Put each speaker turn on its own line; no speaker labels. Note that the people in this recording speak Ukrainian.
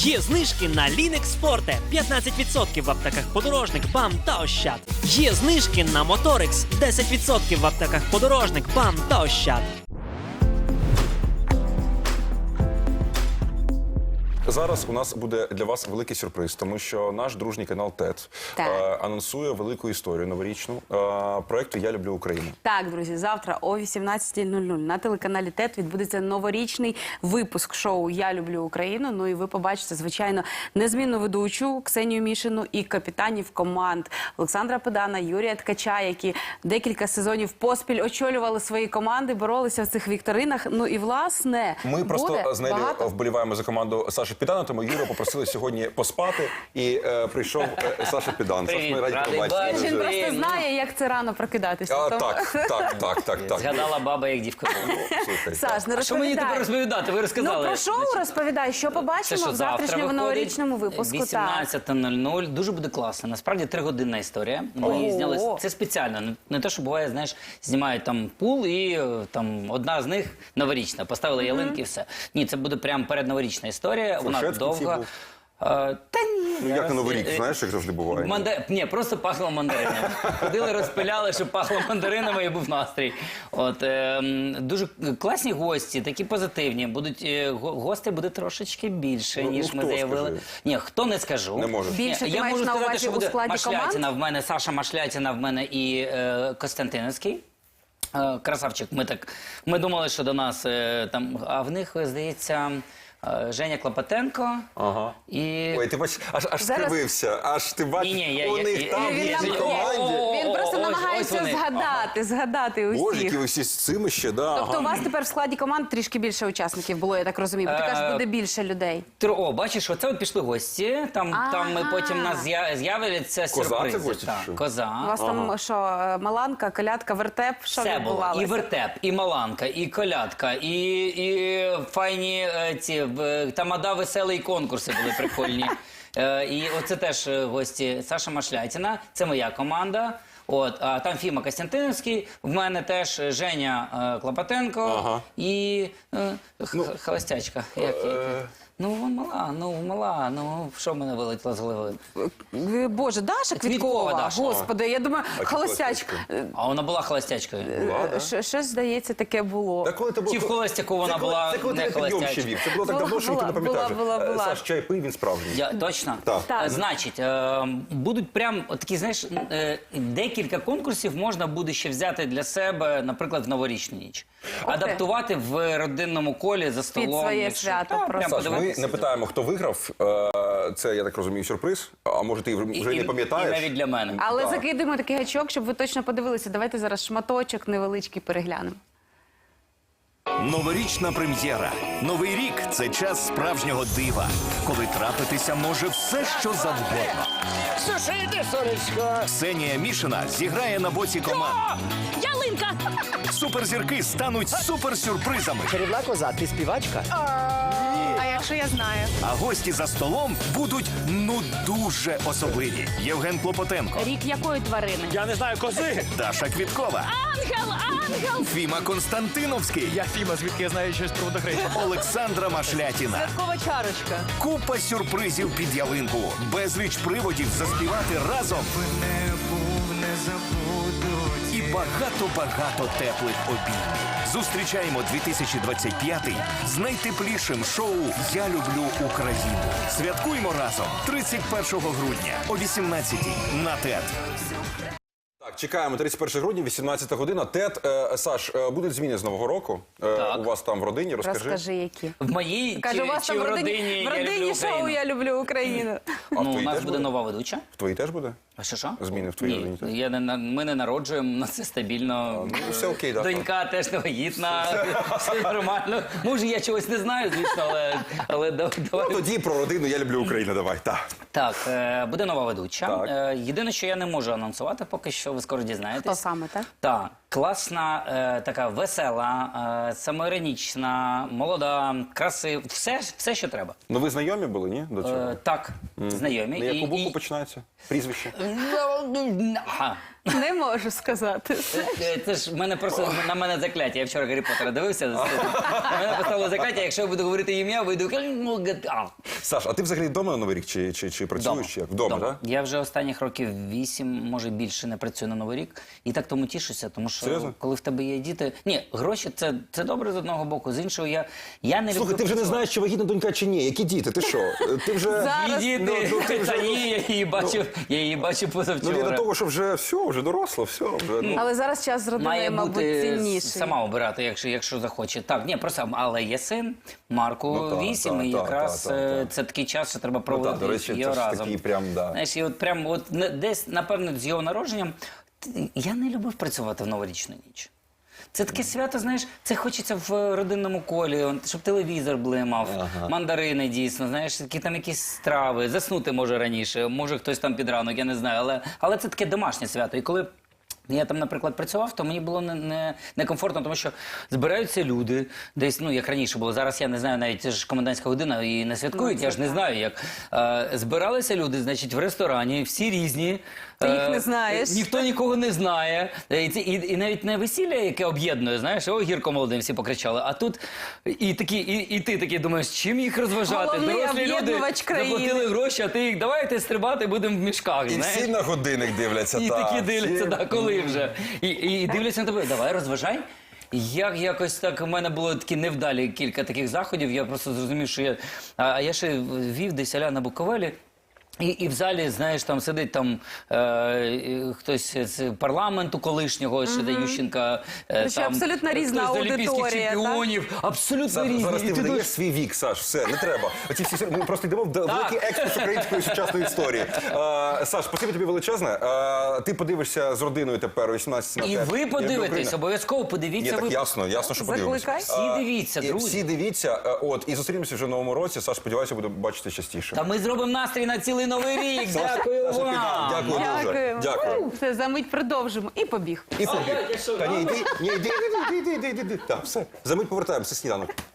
Є знижки на Лінекс Форте 15% в аптеках Подорожник, БАМ та Ощад. Є знижки на Моторикс 10% в аптеках Подорожник, БАМ та Ощад.
Зараз у нас буде для вас великий сюрприз, тому що наш дружній канал ТЕТ анонсує велику історію новорічну проєкту «Я люблю Україну».
Так, друзі, завтра о 18:00 на телеканалі ТЕТ відбудеться новорічний випуск шоу «Я люблю Україну». Ну і ви побачите, звичайно, незмінну ведучу Ксенію Мішину і капітанів команд Олександра Педана, Юрія Ткача, які декілька сезонів поспіль очолювали свої команди, боролися в цих вікторинах. Ну і, власне,
Ми просто з Нелі вболіваємо за команду Саші Педана, тому Юру попросили сьогодні поспати, і прийшов Саша Педан. Саш, ми раді побачити.
Він просто знає, як це рано прокидатися.
Так.
Згадала баба, як дівка була.
Саш, не розповідай.
Що мені тепер розповідати? Ви розказали.
Ну, про шоу розповідай, що побачимо в завтрашньому новорічному випуску.
18:00. Дуже буде класно. Насправді 3-годинна історія. Ми її зняли. Це спеціально. Не те, що буває, знаєш, знімають там пул і там одна з них новорічна. Поставили ялинки і все. Ні, це буде прям передноворічна історія. Вона довга. Та ні.
Як на Новий рік, знаєш, як завжди буває.
Ні, просто пахло мандаринами. Ходили, розпиляли, щоб пахло мандаринами і був настрій. Дуже класні гості, такі позитивні. Гостей буде трошечки більше, ніж ми заявили. Ні, хто не скажу.
Не може.
Більше ти маєш на увазі у складі
Машлятіна в мене, Саша Машлятіна в мене і Костянтиновський. Красавчик. Ми думали, що до нас там, а в них, здається, Женя Клопотенко. І...
Ой, ти бачиш, аж скривився, аж ти бачиш, у них там є в команді.
Він просто намагається згадати усіх.
Боже, які ви всі з цими ще, да.
Тобто у вас тепер в складі команд трішки більше учасників було, я так розумію. Бо ти кажеш, буде більше людей.
О, бачиш, оце от пішли гості, там ми потім нас з'являться сюрпризи.
Коза це гості?
Коза.
У вас там що, маланка, колядка, вертеп, що
все було.
відбувалося?
І вертеп, і маланка, і колядка, і файні ці тамада веселі конкурси були прикольні. І оце теж гості Саша Машлятіна, це моя команда. А там Фіма Костянтиновський, в мене теж Женя Клопотенко і холостячка. Мала, що в мене вилетіло з голови?
Боже, Даша Квіткова?
Даша.
Господи, я думаю, холостячка.
А вона була холостячкою.
Щось, здається, таке було.
Чи в холостяку вона була не холостячка?
Це було так давно, що ніхто не пам'ятає.
Була.
Саш, чай пий, він справжній.
Точно?
Так.
Значить, будуть прям такі, знаєш, декілька конкурсів можна буде ще взяти для себе, наприклад, в новорічну ніч. Адаптувати в родинному колі за столом.
Під своє свято просто.
Саш, ми не питаємо, хто виграв. Це, я так розумію, сюрприз. А може ти вже не пам'ятаєш?
І навіть для мене.
Але закидуємо такий гачок, щоб ви точно подивилися. Давайте зараз шматочок невеличкий переглянемо.
Новорічна прем'єра. Новий рік – це час справжнього дива, коли трапитися може все, що завгодно.
Слушай, іди, сонечко.
Ксенія Мішина зіграє на боці команд.
Ялинка!
Суперзірки стануть суперсюрпризами.
Чарівна коза, ти співачка?
А якщо я знаю?
А гості за столом будуть, дуже особливі. Євген Клопотенко,
Рік якої тварини?
Я не знаю, кози.
Даша Квіткова,
Ангел!
Фіма Константиновський,
Я Фіма, звідки я знаю щось про водохреща.
Олександра Машлятіна.
Святкова чарочка.
Купа сюрпризів під ялинку. Безліч приводів заспівати разом. І багато-багато теплих обіймів. Зустрічаємо 2025-й з найтеплішим шоу «Я люблю Україну». Святкуємо разом 31 грудня о 18-й на ТЕТ.
Так, чекаємо 31 грудня, 18 година. ТЕТ, Саш, будуть зміни з Нового року? У вас там в родині,
Розкажи, які.
В моїй
Каже, у вас
чи
там
в
в
родині
родині шоу «Я люблю Україну».
А в
У
твоїй
нас
теж
буде нова ведуча.
В твоїй теж буде?
А що?
Зміни в твоїй родині теж?
Ми не народжуємо, у нас все стабільно.
Все окей, так.
Донька теж не вагітна, все нормально. Може, я чогось не знаю, звісно, але давай.
Тоді про родину «Я люблю Україну» давай, так.
Так, буде нова ведуча.
Так.
Єдине, що я не можу анонсувати, поки що ви скоро дізнаєтесь.
Хто саме, так?
Так. класна, така весела, самоіронічна, молода, красива, все, що треба.
Ну ви знайомі були, ні? До цього?
Так, знайомі.
На яку букву починається? Прізвище?
Ага.
Не можу сказати.
Це ж в мене просто на мене закляття. Я вчора Гаррі Поттера дивився. На мене поставило закляття, якщо я буду говорити ім'я, вийду.
Саш, а ти взагалі вдома на Новий рік чи працюєш? Чи як? Вдома, так?
Я вже останніх років 8, може більше, не працюю на Новий рік. І так тому тішуся, тому що
Серйозно?
коли в тебе є діти... Ні, гроші це добре з одного боку, з іншого я не люблю...
Слухай, ти вже не знаєш, чи вагітна донька, чи ні. Які діти? Ти що? Ти вже...
Зараз-
І діти, та ні, я її бачу
Ну, я до
позавчора.
того, що вже все, вже доросла, все. Вже, ну.
Але зараз час з родиною,
Має
мабуть,
бути
цінніший.
сама обирати, якщо захоче. Так, ні, просто, але є син, Марку
Ну, так,
8, і
так,
якраз
так.
це такий час, що треба
Ну,
проводити
так, до речі,
його
це ж
разом.
такий прям, да.
Знаєш, і от прям от десь, напевно, з його народженням, я не любив працювати в новорічну ніч. Це таке свято, знаєш, це хочеться в родинному колі, щоб телевізор блимав, мандарини дійсно, знаєш, там якісь страви, заснути може раніше, може хтось там під ранок, я не знаю, але це таке домашнє свято. І коли я там, наприклад, працював, то мені було некомфортно, тому що збираються люди, десь, ну, як раніше було, зараз я не знаю, навіть це ж комендантська година і не святкують, я ж не знаю, як. Збиралися люди, значить, в ресторані, всі різні.
Ти їх не знаєш.
Ніхто нікого не знає. І навіть не весілля, яке об'єднує, знаєш, о, гірко молодим всі покричали, а тут і ти такий думаєш, чим їх розважати?
Головний
Дорослі люди
об'єднувач країни.
заплатили гроші, а ти їх, давайте стрибати, будемо в мішках,
І
знаєш.
всі на годинник дивляться,
І
так.
такі дивляться,
всі.
так, коли вже. І дивляться на тебе, давай, розважай. Якось так, у мене було такі невдалі кілька таких заходів, я просто зрозумів, що я... А я ще вів десь аля на Буковелі, і в залі, знаєш, там сидить там хтось з парламенту колишнього, ще Ющенка.
Тобто абсолютно різна
хтось з олімпійських
аудиторія,
чемпіонів, абсолютно різні.
Зараз
І
ти
ти
видаєш свій вік, Саш, все, не треба. Оці всі, ми просто йдемо в великий експрес української сучасної історії. Саш, спасибі тобі величезне. Ти подивишся з родиною тепер о 18
І ви подивитесь, обов'язково
Ні,
подивіться.
так
ви...
ясно, що подивимося.
Закликай.
Всі дивіться, друзі.
Всі дивіться, і зустрінемося вже в новому році. Саш, сподіваюся, буду бачити частіше.
Та ми зробимо настрій на цілий новий рік. Дякую
Саша,
вам.
Дякую дуже.
Дякую.
Дякую.
Все, за мить продовжимо. І побіг.
І побіг. Та ні, йди. Так, все. За мить повертаємося, сніданок.